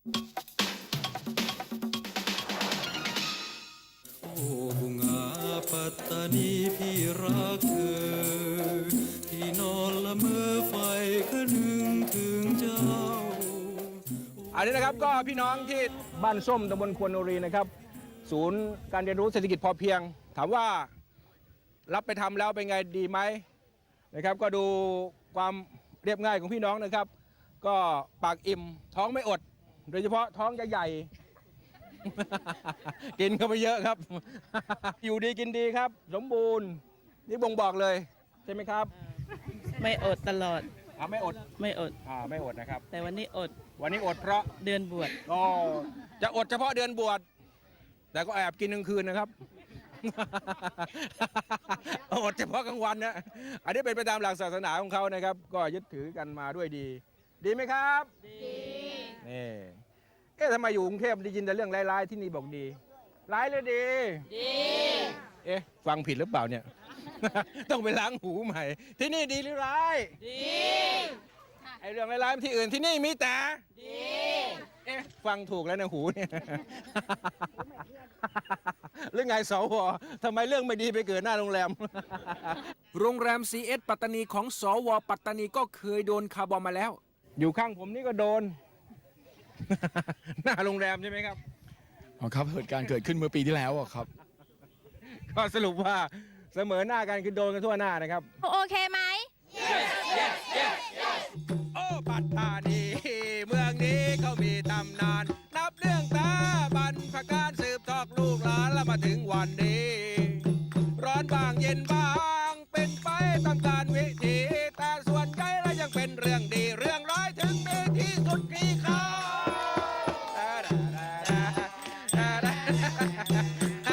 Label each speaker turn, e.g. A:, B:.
A: โอ้บุงาปัตตานีพี่รักเธอที่นอนละเมอไฟคะนึงถึงเจ้า
B: อันนี้นะครับก็พี่น้องที่บ้านส้มตำบลควนโนรีนะครับศูนย์การเรียนรู้เศรษฐกิจพอเพียงถามว่ารับไปทำแล้วเป็นไงดีไหมนะครับก็ดูความเรียบง่ายของพี่น้องนะครับก็ปากอิ่มท้องไม่อด โดยเฉพาะท้องจะใหญ่ กินเข้าไปเยอะครับ อยู่ดีกินดีครับ สมบูรณ์นี่บ่งบอกเลยใช่ไหมครับ
C: ไม่อดตลอด
B: ไม่อด
C: ไม่อด
B: ไม่อดนะครับ
C: แต่วันนี้อด
B: วันนี้อดเพราะ
C: เดือนบวช
B: ก็จะอดเฉพาะเดือนบวชแต่ก็แอบกินกลางคืนนะครับ อดเฉพาะกลางวันนะอันนี้เป็นไปตามหลักศาสนาของเขานะครับ ก็ยึดถือกันมาด้วยดี ดีไหมครับ ดีนี่ทำไมอยู่กรุงเทพได้ยินแต่เรื่องร้ายๆที่นี่บอกดีร้ายเลยดี ดี ฟังผิดหรือเปล่าเนี่ย ต้องไปล้างหูใหม่ ที่นี่ดีหรือร้าย ดีไอเรื่องร้ายๆที่อื่นที่นี่มีแต่ดี ฟังถูกแล้วนะหูเนี่ย เรื่องไงสวทำไมเรื่องไม่ดีไปเกิดหน้าโรงแรม
D: โรงแรม CS ปัตตานีของสวปัตตานีก็เคยโดนคาร์บอมมาแล้ว
B: อยู่ข้างผมนี่ก็โดน หน้าโรงแรมใช่ไหมครับ
E: อ๋อครับเหตุการณ์เกิดขึ้นเมื่อปีที่แล้วอะครับ
B: ก็สรุปว่าเสมอหน้ากันคือโดนกันทั่วหน้านะครับ
F: โอเคไหม
B: โอ้ปัตตานีเมืองนี้เขามีตำนาน นับเรื่องตาบรรพการสืบทอดลูกหลานแล้วมาถึงวันนี้ ร้อนบางเย็นบางเป็นไปตามการวิถีแต่ส่วนใหญ่แล้วยังเป็นเรื่องดีเรื่องร้ายถึงมีที่สุดกี่คราว